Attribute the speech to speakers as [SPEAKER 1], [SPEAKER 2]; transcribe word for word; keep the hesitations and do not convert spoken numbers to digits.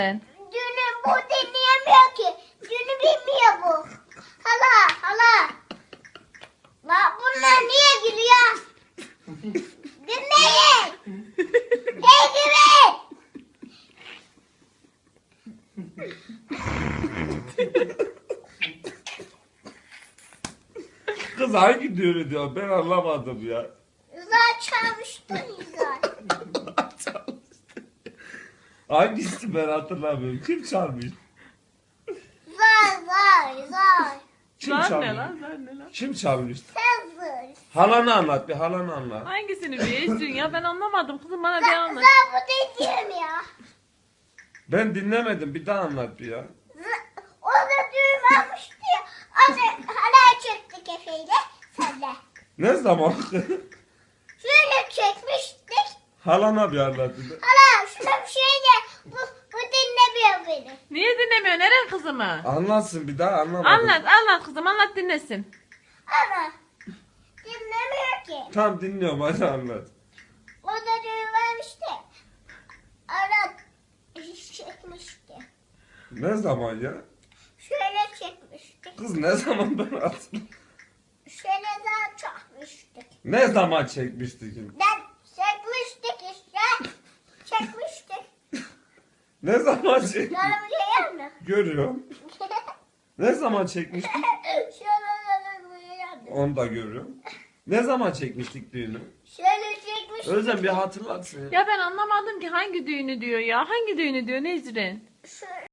[SPEAKER 1] Düğünü bu dinleyemiyor ki. Düğünü bilmiyor bu. Hala hala. La bunlar niye gülüyor? Dinleyin. Hey gibi.
[SPEAKER 2] Kız hangi düğünü diyor ben anlamadım ya.
[SPEAKER 1] Güzel çalmıştın güzel.
[SPEAKER 2] Hangisi ben hatırlamıyorum. Kim çalmış?
[SPEAKER 1] Zar zar zar.
[SPEAKER 2] Kim
[SPEAKER 3] Zar
[SPEAKER 2] çalmış?
[SPEAKER 3] ne lan? Zar ne lan?
[SPEAKER 2] Kim çalmış?
[SPEAKER 1] Sen zar.
[SPEAKER 2] Halanı anlat bir halanı anlat.
[SPEAKER 3] Hangisini bir ya ben anlamadım kızım bana bir
[SPEAKER 1] Zar
[SPEAKER 3] anlat.
[SPEAKER 1] zar bu dinleyemiyor.
[SPEAKER 2] Ben dinlemedim bir daha anlat bir ya.
[SPEAKER 1] Z- O da düğün almıştı ya. O da hala çektik Efe'yle. Sen de.
[SPEAKER 2] Ne zaman?
[SPEAKER 1] Şöyle çekmiştik.
[SPEAKER 2] Halana bir anlat bir de.
[SPEAKER 1] Hala şuna bir şey de. Bu, bu dinlemiyor beni.
[SPEAKER 3] Niye dinlemiyor? Neren kızımı?
[SPEAKER 2] Anlatsın bir daha anlamadım.
[SPEAKER 3] Anlat anlat kızım anlat dinlesin.
[SPEAKER 1] Ama dinlemiyor ki.
[SPEAKER 2] Tamam dinliyorum hadi anlat.
[SPEAKER 1] O da düğün vermişti. Ara çekmişti.
[SPEAKER 2] Ne zaman ya?
[SPEAKER 1] Şöyle çekmiştik.
[SPEAKER 2] Kız ne zaman ben hatırlamıyorum.
[SPEAKER 1] Şöyle daha çekmiştik.
[SPEAKER 2] Ne zaman çekmiştik?
[SPEAKER 1] Ben çekmiştik işte. Çekmiştik.
[SPEAKER 2] Ne zaman çekmiştik?
[SPEAKER 1] Canım geliyor mu?
[SPEAKER 2] Görüyorum. Ne zaman çekmiştik?
[SPEAKER 1] Şöyle geliyor mu?
[SPEAKER 2] Onu da görüyorum. Ne zaman çekmiştik düğünü?
[SPEAKER 1] Şöyle çekmiştik.
[SPEAKER 2] Özlem bir hatırlatsın ya.
[SPEAKER 3] Ya ben anlamadım ki hangi düğünü diyor ya. Hangi düğünü diyor Nezrin?
[SPEAKER 1] Şöyle